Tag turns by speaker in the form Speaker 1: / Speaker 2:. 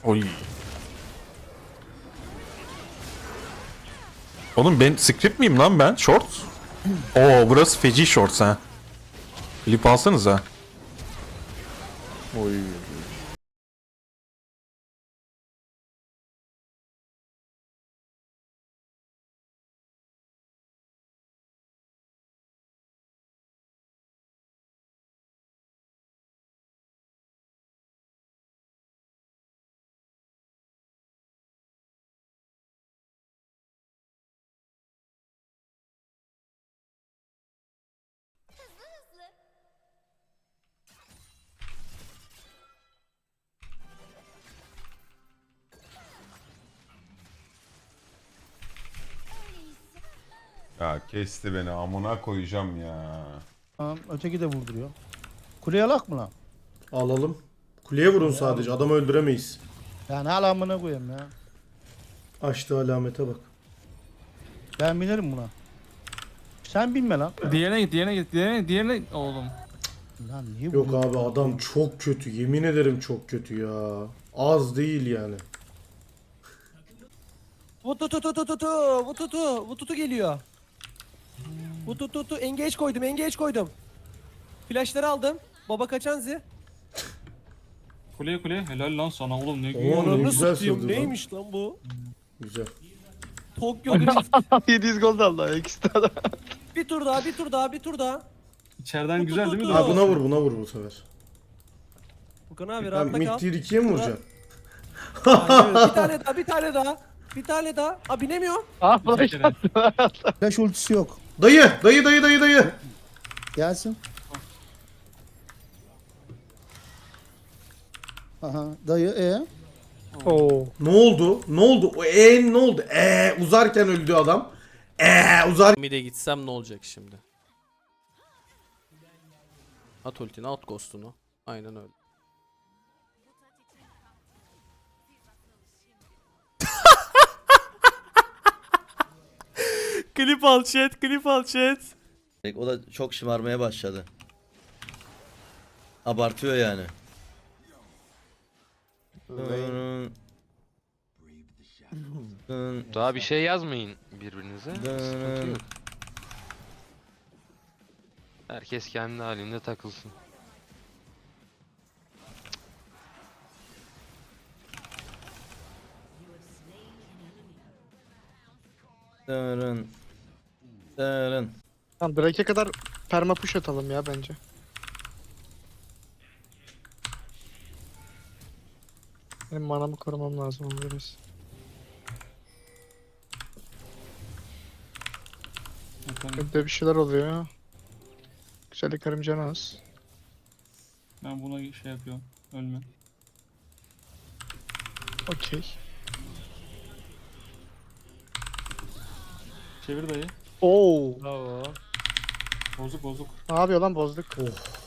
Speaker 1: Oy. Oğlum ben script miyim lan ben? Short? Oo burası feci shorts ha. Klip alsanıza. Oy.
Speaker 2: Ya kesti beni amına koyacağım ya.
Speaker 3: Tamam, öteki de vurduruyor. Kuleye alak mı lan?
Speaker 4: Alalım. Kuleye vurun sadece. Adamı öldüremeyiz.
Speaker 3: Ya ne alamına koyayım ya.
Speaker 4: Açtığı alamete bak.
Speaker 3: Ben binerim buna. Sen binme lan.
Speaker 5: Diğerine git, diğerine git, diğerine oğlum.
Speaker 3: Lan niye
Speaker 4: Yok
Speaker 3: vuruyorsun?
Speaker 4: abi adam çok kötü. Yemin ederim çok kötü ya. Az değil yani.
Speaker 6: Vututu geliyor. Vututu engage koydum. Flashları aldım. Baba kaçanzi.
Speaker 5: Kuleye helal lan sana oğlum ne
Speaker 4: Oo,
Speaker 5: güzel.
Speaker 4: ne
Speaker 6: Ananı
Speaker 4: güzel
Speaker 6: satayım
Speaker 4: sürdü lan.
Speaker 6: neymiş lan bu?
Speaker 4: Güzel.
Speaker 6: Tokyo Drift.
Speaker 7: 700 gol de aldı ikisi de adam.
Speaker 6: bir tur daha.
Speaker 5: İçeriden güzel değil mi?
Speaker 4: Ha buna vur bu sefer.
Speaker 6: Furkan abi
Speaker 4: Ben
Speaker 6: rahatla
Speaker 4: mid
Speaker 6: kal.
Speaker 4: tier 2'ye mi vuracağım?
Speaker 6: Bir tane daha. Aa binemiyor.
Speaker 7: Ah flash
Speaker 5: Teşekkür ederim.
Speaker 3: Flash ultisi yok.
Speaker 4: Dayı.
Speaker 3: Gelsin. Aha dayı
Speaker 7: Oo.
Speaker 4: Ne oldu? O ne oldu? Uzarken öldü adam. Uzar.
Speaker 8: Mid'e gitsem ne olacak şimdi? At ultini, at ghost'unu. Aynen öyle. Klip al chat.
Speaker 9: O da çok şımarmaya başladı. Abartıyor yani.
Speaker 10: Daha bir şey yazmayın birbirinize. Sıkıntı yok. Herkes kendi halinde takılsın.
Speaker 9: Dırın. Dırın.
Speaker 7: Tamam Drake'e kadar perma push atalım ya bence. Benim manamı korumam lazım onu biraz. Evde bir şeyler oluyor. Güzellik karım canı az.
Speaker 5: Ben buna şey yapıyorum. Ölme.
Speaker 7: Okey.
Speaker 5: Çevir dayı.
Speaker 7: Oo.
Speaker 6: Bravo.
Speaker 5: Bozuk.
Speaker 7: Ne yapıyor lan bozduk.
Speaker 4: Oh.